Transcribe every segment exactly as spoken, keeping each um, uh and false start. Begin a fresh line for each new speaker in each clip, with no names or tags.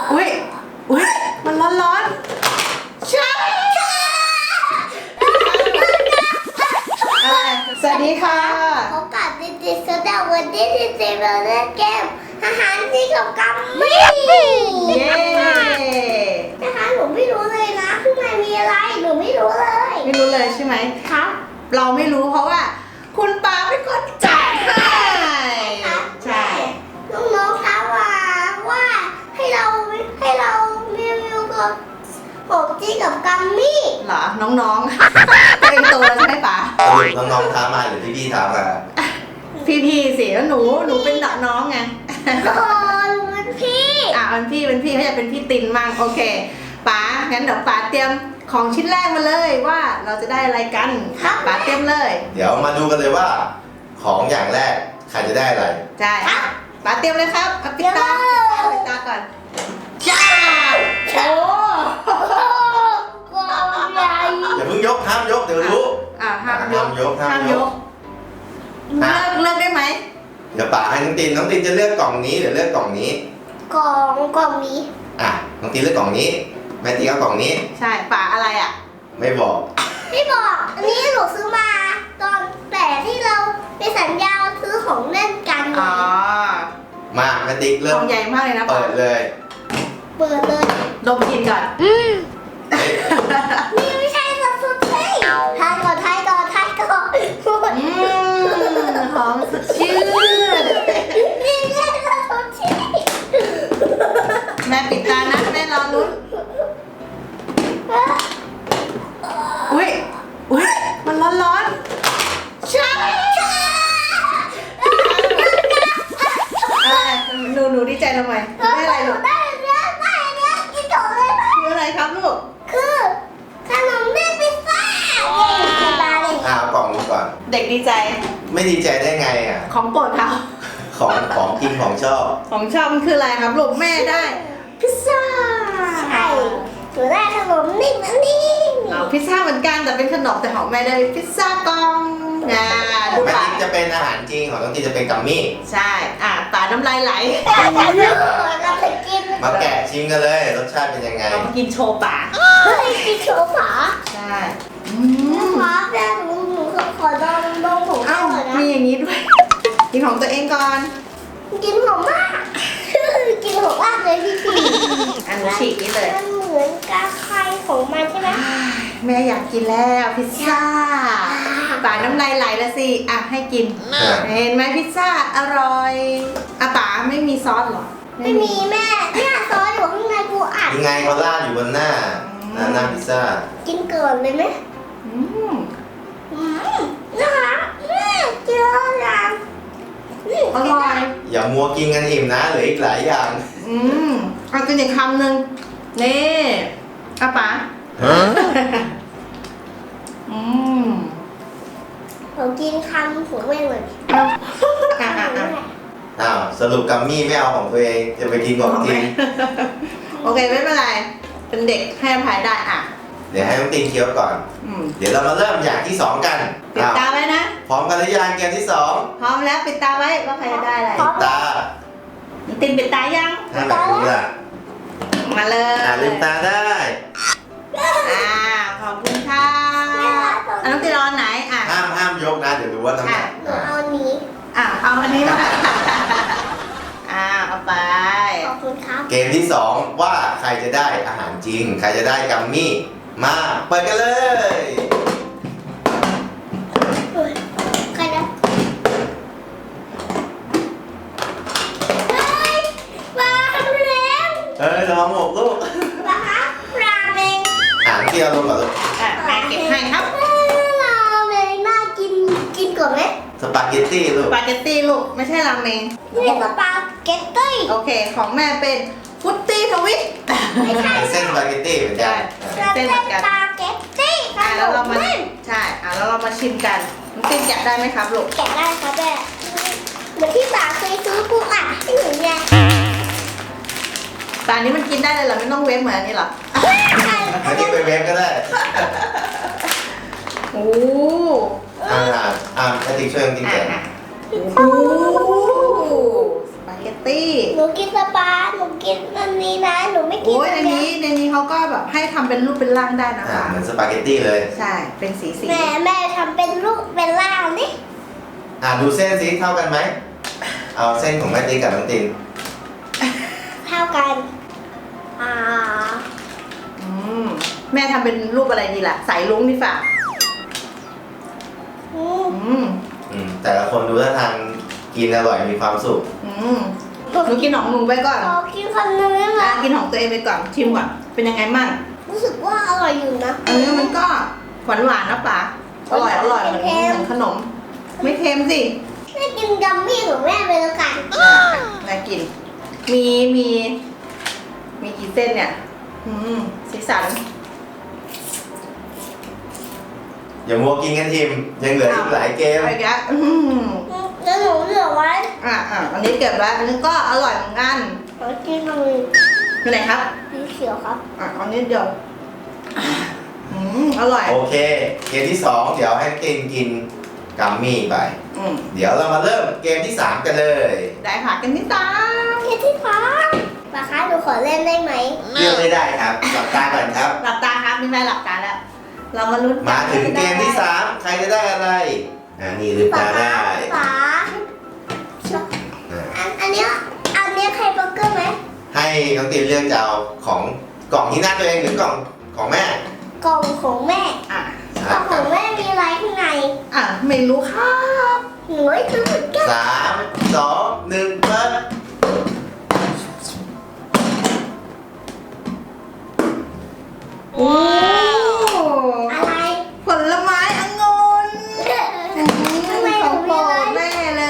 อุ้ยอุ้ยมันร้อนร้อนใช่อะไรสวัสดีค่ะ
พบกับดิจิสดาวันที่ดิจิเราเล่นเกมอาหารที่กับกัมมี่
เย้
นะคะหนูไม่รู้เลยนะข้างในมีอะไรหนูไม่รู้เลย
ไม่รู้เลยใช่ไหม
ครับ
เราไม่รู้เพราะว่า คุณปาเป็นคนจัดให้ใช่
น้องๆคะว่าว่าให้เราให้เรารีวิวกับผมจีกับกัมมี่
เหรอน้องๆ ตัวเองโตแล้วใช่ไหมป๋า
สรุปน้องๆท้ามาหรือพี่ๆท้ามา
พี่ๆสิแล้วหนูหนูเป็นน้องไง
โอ้ยมันพี่
อ่ะเป็นพี่เป็นพี่เขาจะเป็นพี่ตินมั่งโอเคป๋างั้นเดี๋ยวป๋าเตรียมของชิ้นแรกมาเลยว่าเราจะได้อะไรกันป๋าเตรียมเลย
เดี๋ยวมาดูกันเลยว่า ของอย่างแรกใครจะได้อะไร
ใช่ป๋าเตรียมเลยครับเอาปิดตาปิดตาก่อนจ้าโอ้
กองใหญ่
อย่าเพิ่งยกห้ามยกเดี๋ยวรู้
อ่ะห้ามยก
ห้ามยกห้ามยก
เลิกเลิกได้ไหม
เดี๋ยวป๋าให้น้องตินน้องตินจะเลือกกล่องนี้หรือเลือกกล่องนี้
กองกองนี้
อ่ะน้องตินเลือกกล่องนี้แม่ตินเอากล่องนี้
ใช่ป๋าอะไรอ่ะ
ไม่บอก
พี่บอกอันนี้หนูซื้อมาตอนแต่ที่เราไปสัญญาซื้อของเล่นกัน
อ๋อ
มาแม่ติ๊ก
ก
เริ่
ล่
ม
องใหญ่มากเลยนะป๋า
เปิดเลย
เปิดเลย
ดมกลินก่อน
เฮ้ย
นี่ไม่ใช่สัตว์สุดที่ทายก่อนทายก่อนทายก่อน
อืมหอมสดชื่น
นี่ไม่ใช่สัตว์สุดที่
แม่ปิดตานะแม่รอลุ้นอุ้ยอุ้ยมันร้อนร้อนใช่อะไรหนูหนูดีใจทำไมได้อะไรลูก
ได้เนี้ยได้เนี้ยกินก่อนเลยไหม
คืออะไรครับลูก
คือขนมเปี๊ยะพิซซ่านี่คือตาเลย
อ่ะเอากล่องนี้ก่อน
เด็กดีใจ
ไม่ดีใจได้ไงอ่ะ
ของโปรดเขา
ของของกินของชอบ
ของชอบมันคืออะไรครับลูกแม่ได้พิซซ่า
ใช่หนูได้ขนมนิ่มอันนี้
เอาพิซซ่าเหมือนกันแต่เป็นขนมแต่ของแม่ได้พิซซ่ากล่องนะดู
แม่
ป่ะ
ติ๊กจะเป็นอาหารจริงของน้องตินจะเป็นกัมมี่
ใช่อ่ะตาน้ำลายไหล
เราไปกิน
มาแกะชิมกันเลยรสชาติเป็นยังไง
เรามากินโชว์ป่า
เฮ้ยกินโชว์ฝา
ใช่อืม
ครับแต่หนูหนูขอลองลองของ
เอ้า
ก่อนนะ
มีอย่างนี้ด้วยกินของตัวเองก่อน
กินหอมมาก กินหอมมากเลยพี่พี่
อันนี้ฉีกนี่เลย
มันเหมือนกาไข่ของมันใช่ไหม
แม่อยากกินแล้วพิซซ่าป่าน้ำลายไหลแล้วสิอ่ะให้กิน เห็นไหมพิซซ่าอร่อยอ่ะป๋าไม่มีซอสเหรอ
ไม่มีแม่เนี่ยซอสอยู่ข้างในกูอัด
ยังไงเขาราดอยู่บนหน้าหน้าหน้าพิซซ่า
กินเกินเลยไหม
อืม
อืมนะคะแม่เจอแล้วนี่
อร่อย
อย่ามัวกินกันอิ่มนะเหลืออีกหลายอย่าง
อืมเอากินอีกคำหนึ่งนี่อ่ะป๋าอืม
ผมกินคำหัวแม่งเลย
เอาอ่ะอ่ะอ่ะ
อ้าวสรุปกัมมี่ไม่เอาของตัวเองจะไปกินของจริง
โอเคไม่เป็นไร เป็นเด็กให้อภัยได้อ่ะ
เดี๋ยวให้น้องตีนเคี้ยวก่อน
อืม
เดี๋ยวเรามาเริ่มอย่างที่สองกัน
ปิดตา
อ้าว
ไว้นะ
พร้อมกันหรือยังเกมที่สอง
พร้อมแล้วปิดตาไว้ว่าใครจะได้อะไร
ปิดตา
ตินปิดตายัง
ถ้าหนักดูล่ะ
มาเลย
อ่าลืมตาได้
อ่าขอบคุณค่ะอ่ะน้องตินรอนไหนอ่ะ
ห้ามห้ามยกนะ เดี๋ยวดูว่าน้ำหนัก
หนูเอาอันนี้
อ่ะเอาอันนี้มาอ่าเอาไป
ขอบคุณครับ
เกมที่สองว่าใครจะได้อาหารจริง ใครจะได้กัมมี่มาเปิดกันเลย
เฮ้ยใครนะเฮ้ยปลาแรง
เอ้ยระวังหมกลูก
ปลาปลาเมง
อ่านเที่ยวลงก่อนลูก
อ่ะแม่เก็บให้ครับ
ปลาเมงน่ากินกินก่อนไหม
สปาเกตตี้ลู
ส
ก
ปาเกตตี้ลูกไม่ใช่ราเมง
นี่สปาเกตตี้
โอเค ของแม่เป็นฟุตตี้ทวิต
ไม่ใช่
เป็นเส้นสปาเกตตี้เหมือนกัน
ใช่
เส้นสปาเกตตี้ข
อ่ะ
น
แล้วเรา
ม
มา
แม่
ใช่อ่ะแล้วเรามาชิมกันน้องตินแกะได้ไหมครับลูก
แกะได้ครับแม่เหมือนที่ป๋าเคยซื้อปูอัดให้หนูไง
แต่อันนี้มันกินได้เลยเหรอไม่ต้องเวฟเหมือนอันนี้เหรอ
ไม่ได้ไปเวฟก็ได้
โอ้
อ่าอ่าแม่ติ๊กช่วยน้องติ๊ก
อ่ะ
แกะ
อ่ะโอ้สปาเกตตี้
หนูกินสปาหนูกินอันนี้นะหนูไม่กิน
โอ้ยใน
อัน
นี้
นี้
ในนี้เขาก็แบบให้ทำเป็นรูปเป็นร่างได้นะ
อ่า
คะ
เหมือนสปาเกตตี้เลย
ใช่ เป็นสีสี
แม่แม่ทำเป็นลูกเป็นล่างนี่
อ่าดูเส้นสิเท่ากันไหมเอาเส้นของแม่ติ๊กกับน้องติน
เท่ากันอ่า
อืมแม่ทำเป็นรูปอะไรดีล่ะ สายลุ้งดีฝ่า
อืม
อืม
อืมแต่ละคนดูท่าทางกินอร่อยมีความสุข
อืมหนูกินของหนูไปก่อน
ขอกินคำนึงได้ไหม
อ่ะกินของตัวเองไปก่อน ชิมก่อน เป็นยังไงมั่ง
รู้สึกว่าอร่อยอยู่นะ
อันนี้มันก็หวานหวานๆนะป๋าอร่อยอร่อยเหมือน
เค็ม
เหมือนขนม ไม่เค็มสิ
แม่กินกัมมี่ของแม่ไปแล้วกัน
น่ากิน มี มี มีกี่เส้นเนี่ย อืม สีสัน
อย่ามัวกินกันทีมยังเหลืออีกหลายเกม
อะไรกันอืม
แล้วหนูเหลือไว้
อ่ะอ่ะอันนี้เก็บไว้อันนี้ก็อร่อยเหมือนกัน
ขอกินตรงนี้
อยู่ไหนครับ
สีเขียวครับ
อ่ะอันนี้เดียวอ่ะอืม อร่อย
โอเค เกมที่สองเดี๋ยวให้ตินกินกัมมี่ไป
อืม
เดี๋ยวเรามาเริ่มเกมที่สามกันเลย
ได้ค่ะกันที่สาม
เทที่ฟ้าปาคะหนูขอเล่นได้ไหม
เลือกไม่ได้ครับหลับตาก่อนครับ
หลับตาครับนี่แม่หลับตาแล้ว เรามาลุ้น
มาถึงเกมที่สามใครจะได้อะไรอ่านี่ลืม
ปา
ตา
คะ
ได้
ฟ้า
อ่า
อันอันเนี้ยอันเนี้ยใครเบอร์เกอร์ไหม
ให้น้องตินเลือกจะเอาของกล่องที่หน้าตัวเองหรือกล่องของแม่
กล่องของแม่
อ่ะ
กล่องของแม่มีอะไรข้างใน
อ่ะ ไม่รู้ครับ
หนูไม่รู้เหมือนกัน
สามสองหนึ่งเปิด
โอ้
อะไร
ผลไม้องุ่น
ข้างในห
ข
นู
องโป
มี
ร
อะไร
ดแม่เลย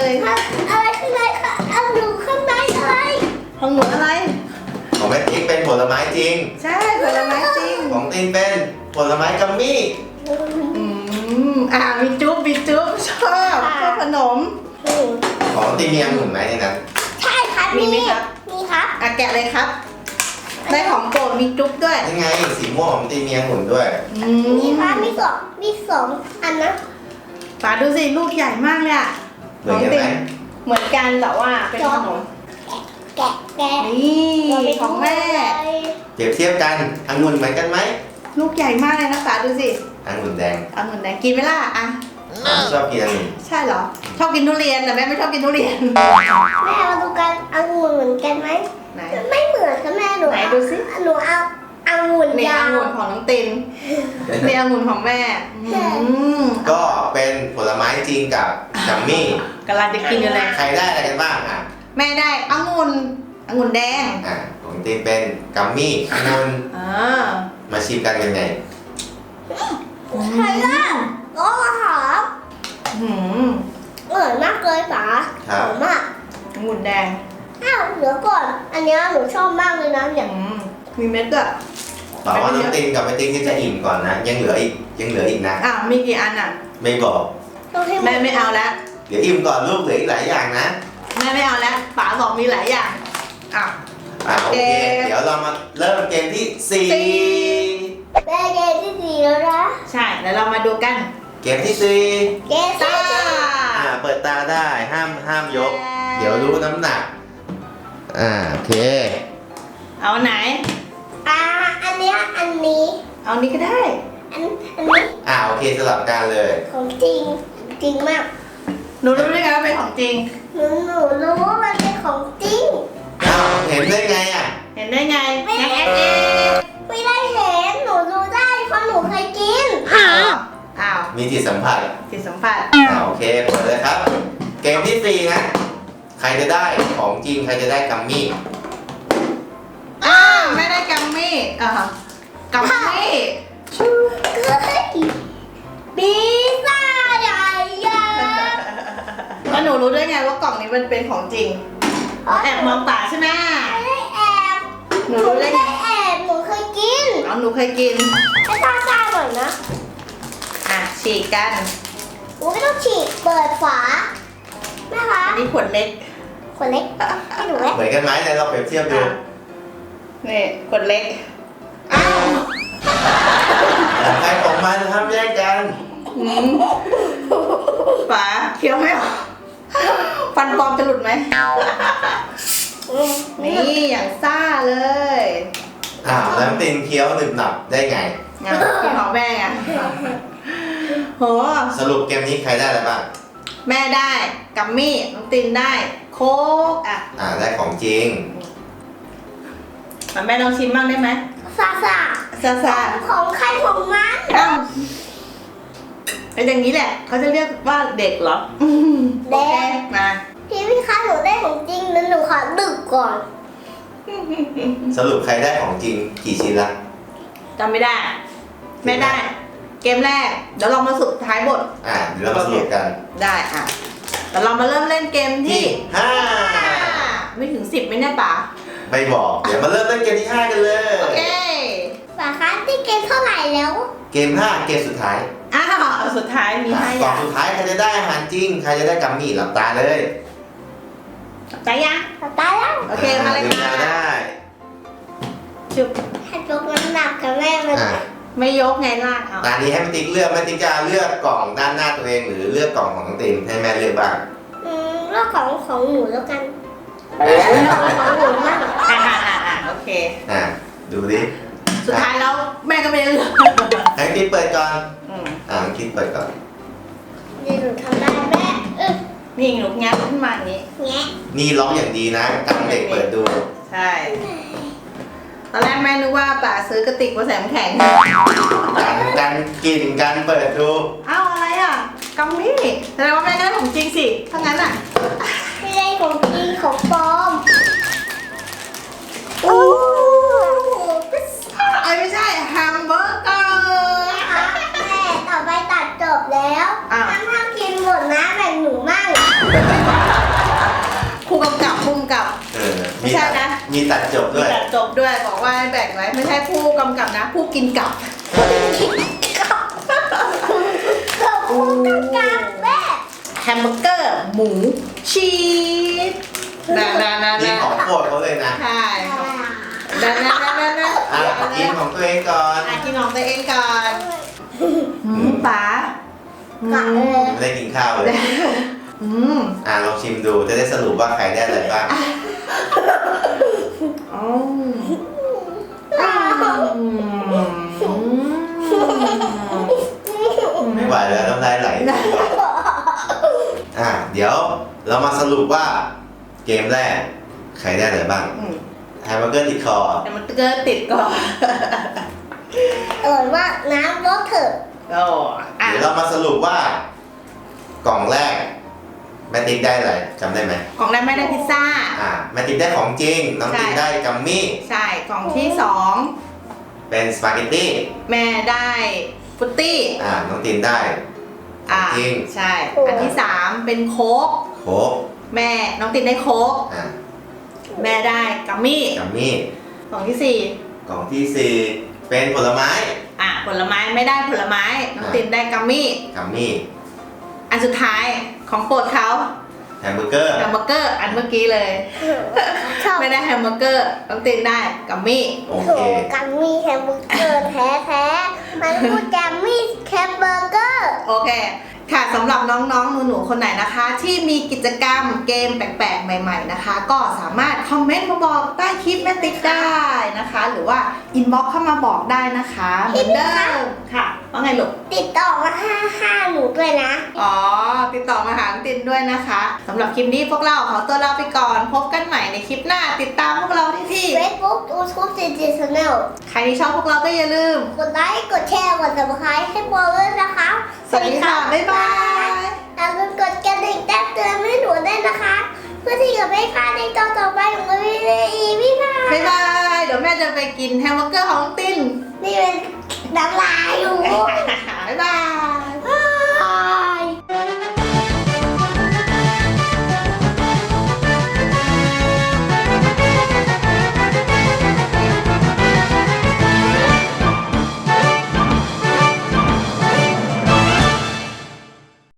อะไรข้างในคะเอาหนูข้างในอะไร
ของหนูอะไร
ของแม่ติ๊กเป็นผลไม้จริง
ใช่ผลไม้จริง
ของตินเป็นผลไม้กัมมี่
อืมอ่ามีจุ๊บมีจุ๊บชอบชอบขนม
ของตินมีองุ่นไหมในนั้น
ใช่ครับ
มีไหมครับ
มีครับ
อ่ะแกะเลยครับ ได้ของโปรดมีจุ๊บด้วย
ยังไงสีม่วงของตินมีองุ่นด้วย
อื
มีครับมีสองมีสองอันนะ
ป๋าดูสิลูกใหญ่มากเลยอ่ะ
เหมือนกันไหม
เหมือนกันแต่ว่าเป็นขนม
แกะแกะ
นี่ของแม่
เปรียบเทียบกันองุ่นเหมือนกันไหม
ลูกใหญ่มากเลยนะป๋าดูสิ
องุ่นแดง
เอาเหมือนแดงกินไหมล่ะอ่ะ
ชอบกินองุ่น
ใช่เหรอ ชอบกินทุเรียนแต่แม่ไม่ชอบกินทุเรียน
แม่มาดูกันองุ่นเหมือนกันไหม
ไหน
ไม่เหมือนค่ะแม่หนู
ไหนดูสิ
หนูเอาองุ่น
นี่
ยา
อ
ว
งุ่นของน้องตินนี่องุ่นของแม่อืม
ก็เป็นผลไม้จริงกับกัมมี่
กำลังจะกินอยู่เลย
ใครได้อะไรกันบ้างอ่ะ
แม่ได้องุ่นองุ่นแดง
อ่ะของตินเป็นกัมมี่องุ่น
อ่า
มาชิมกันยังไง
ใครล่ะก็หอม
หืม
อร่อยมากเลยป๋า
ครั
ห
บ
อมมาก
องุ่นแดง
อ้าวเดี๋ยวก่อน อันเนี้ยหนูชอบมากเลยนะอ
อื
ย่าง
มมีเม็ดด้วย
บอกว่าน้องตินกับแม่ตินก็จะอิ่มก่อนนะ ยังเหลืออีกยังเหลืออีกนะ
อ่ะมีกี่อันอ่ะ
ไม่บอก
ต้องให้
แม่ไม่เอาแล้ว
เดี๋ยวอิ่มก่อนลูกเหลืออีกหลายอย่างนะ
แม่ไม่เอาแล้วป๋าบอกมีหลายอย่างอ่ะ
อ่าโอเค
เกม
เดี๋ยวเรามาเริ่มเกมที่สี่
สี่
แม่เกมที่สี่แล้วนะ
ใช่แล้วเรามาดูกัน
เกมที่สี่
เกมที่
ตา
สี่
อ่าเปิดตาได้ห้ามห้ามยก เดี๋ยวรู้น้ำหนัก อ่าโอเค
เอาไหน
อ่าอันเนี้ยอันนี้
เอานี้ก็ได้
อันอันนี้
อ่าโอเคสลับกันเลย
ของจริงจริงมาก
หนูรู้ได้ไงว่าเป็นของจริง
หนูหนูรู้ว่ามันเป็นของจริง
อ้าวเห็นได้ไงอ่ะ
เห็นได้ไง
ไม่
งั้น
ได้
แอดเอง
ไม่ได้เห็นหนูดูได้เพราะหนูเคยกิน
อ้าวอ้าว
มีจิตสัมผัส
จิตสัมผัส
อ่าโอเคเปิดเลยครับ เกมที่สี่นะ ใครจะได้ของจริง ใครจะได้กัมมี่
อ้าวไม่ได้กัมมี่อ่ากัมมี่ชู
เฮ้ยปีซ่าใหญ่ใหญ่
แล้วหนูรู้ได้ไงว่ากล่องนี้มันเป็นของจริงแอบมองป่าใช่ไหม
ไม่ได้แอบ
หนูรู้ได้ไง
แอบหนูเคยกิน
เอาหนูเคยกิน
ให้ตาซ่าหน่อยนะ
อ่ะฉีกกัน
หนูไม่ต้องฉีกเปิดฝาแม่คะ
อันนี้ขวดเล็ก
คนเล็กให้หนูไหม
เหมือนกันไหมไหนเราเปรียบเทียบดู
อ่ะนี่ขวดเล็กอ้าว
ของใครของมันนะครับแยกกัน
อืมป๋าเคี้ยวไม่ออกฟันปลอมจะหลุดไหมนี่อย่างซ่าเลย
อ้าวแล้วตินเคี้ยวหนึบหนับได้ไง
อ่ะกินของแม่ไงโห
สรุปเกมนี้ใครได้อะไรบ้าง
แม่ได้กัมมี่น้องตินได้โค้กอ่ะ
อ่าได้ของจริง
แม่ลองชิมบ้างได้ไหม
ซาซา
ซาซา
ของใครของมัน
อ้าวเป็นอย่างนี้แหละเขาจะเรียกว่าเด็กเหรออืมโอเคมา
พี่พี่คะหนูได้ของจริงแล้วหนูขอดึกก่อน
สรุปใครได้ของจริงกี่ชิ้นละ
จำไม่ได้ ไม่ได้ เกมแรก เดี๋ยวเรามาสุดท้ายบท
อ่าเดี๋ยวเรามาสรุปกัน
ได้อ่ะแต่เรามาเริ่มเล่นเกมที่
ที่ห้า
ไม่ถึงสิบไม่แน่ป่ะ
ไม่บอกเดี๋ยวมาเริ่มเล่นเกมที่ห้ากันเลย
โอเค
ฝาคะที่เกมเท่าไหร่แล้ว
เกมห้าเกมสุดท้าย
อ้าวสุดท้ายมี
อ่ะ
ห้าก อย่า
ล่อง
ง
สุดท้ายใครจะได้อาหารจริงใครจะได้กัมมี่หลับตาเลย
ใจยัง
ตายแล้ว
โอเคมาเลย
ลืม
ค่ะ
ตาได้
ชุบ
ให้ยกน้ำหนักกับแม่มัน
อ่ะ
ไม่ยกไงลากเอา
ตอนนี้ให้แม่ติ๊กเลือกแม่ติ๊กจะเลือกกล่องด้านหน้าตัวเองหรือเลือกกล่องของน้องตินให้แม่เลือกบ้าง
อืมเรื่องของของหนูแล้วกันเรื่องของหนูมาก
อ่าอ่าอ่าอ่าโอเค
อ่ะดูดิ
สุดท้ายแล้วแม่ก็ไม่ได้เลือก
ให้ติ๊กเปิดก่อน
อืม
อ่ะน้องติ๊กเปิดก่อน
นี่หนูทำได้แม่เออ
นี่หนูงัดขึ้นมาอย่างนี้
แงะ
นี่ล็อกอย่างดีนะกันเด็กเปิดดู
ใช่ ตอนแรกแม่นึกว่าป๋าซื้อกระติกมาใส่น้ำแข็ง
กันกันกินกันเปิดดู
เอ้าอะไรอ่ะกัมมี่แสดงว่าแม่ได้ของจริงสิถ้างั้นอ่ะ
ไม่ได้ของจริงของปลอม
โอ้พิซซ่าเอ้ยไม่ใช่แฮมเบอร์เกอร์
นะคะแม่ต่อไปตัดจบแล้ว
อ้าว
ห้ามห้ามกินหมดนะแบ่งหนูมั่ง
ครูกำกับครูกำกับ
เออ
ไม่ใช่นะ
มีตัดจบ
มี
ด้วย
จัดจบด้วยบอกว่าให้แบ่งไว้ไม่ใช่ผู้กำกับนะ ผู้กินกับ
ขอบคุณกำกับแม่
แฮมเบอร์เกอร์หมูชีสนานานา
นี่
นา
ของโปรดเขาเลยนะ
ใช่นานานานานา
อ่ะกินของตัวเองก่อน
อ่ะกินของตัวเองก่อนอืมป๋าอื
กะ
ม
เลย
ไม่ได้กินข้าวเลย
อืม
อ่ะลองชิมดูจะได้สรุปว่าใครได้อะไรบ้าง
อ๋ออืม
ไม่ไหวแล้วน้ำลายไหลอ่ะเดี๋ยวเรามาสรุปว่าเกมแรกใครได้อะไรบ้าง
อืม
แฮมเบอร์เกอร์ติดคอ
แต่มันเกิดติดก่อน
เออว่าน้ำรถเถอะ
โอ้อ่ะ
เดี๋ยวเรามาสรุปว่ากล่องแรกแม่ติ๊กได้อะไรจำได้ไหม
ของนั้นไม่ได้พิซซ่า
อ่ะแม่ติ๊กได้ของจริงน้องติ๊ก
ใช่
ได้กัมมี่
ใช่กล่องที่สอง
เป็นสปาเกตตี้
แม่ได้ฟุตตี้
อ่ะน้องตินได้
อ่า
จริง
ใช่ อันที่สามเป็นโค้ก
โค้ก
แม่น้องตินได้โค้ก
อ่ะ
แม่ได้กัมมี่
กัมมี่
กล่องที่สี่
กล่องที่สี่เป็นผลไม้
อ่ะผลไม้ไม่ได้ผลไม้น้องตินได้กัมมี่
กัมมี่
อันสุดท้ายของโปรดเขา
แฮมเบอร์เกอร์
แฮมเบอร์เกอร์อันเมื่อกี้เลย
ชอบ
ไม่ได้แฮมเบอร์เกอร์น้องตินได้กัมมี่
โอ
โถ
เค
กัมมี่แฮมเบอร์เกอร์แท้แท้ๆมันพูดกัมมี่แฮมเบอร์เกอร์
โอเค ค่ะสำหรับน้องๆหนูๆคนไหนนะคะ ที่มีกิจกรรมเกมแปลกๆ ใหม่ๆนะคะ ก็สามารถคอมเมนต์มาบอกใต้คลิปแม่ติ๊กได้นะคะ หรือว่าอินบ็อกเข้ามาบอกได้นะคะเหมือนเดิมค่ะว่าไงลูก
ติดต่อมาห้าห้าหนูด้วยนะ
อ๋อ ติดต่อมาหาน้องตินด้วยนะคะสำหรับคลิปนี้พวกเราขอตัวลาไปก่อน พบกันใหม่ในคลิปหน้า ติดตามพวกเราที่ที่
Facebook YouTube จี จี Channel
ใครที่ชอบพวกเราก็อย่าลืม
กดไลค์ กดแชร์ กด Subscribe ให้โบด้วยนะคะ
สวัสดีค่ะ บ๊ายบาย
อย่าลืมกดกระดิ่งแจ้งเตือนให้หนูด้วยนะคะ เพื่อที่จะไม่พลาดในตอนต่อไปของเราอีกพี่พา
บ๊ายบาย เดี๋ยวแม่จะไปกินแฮมเบอร์เกอร์ของน้องติน
นี่เป็นน้ำลายอยู่
บ๊ายบาย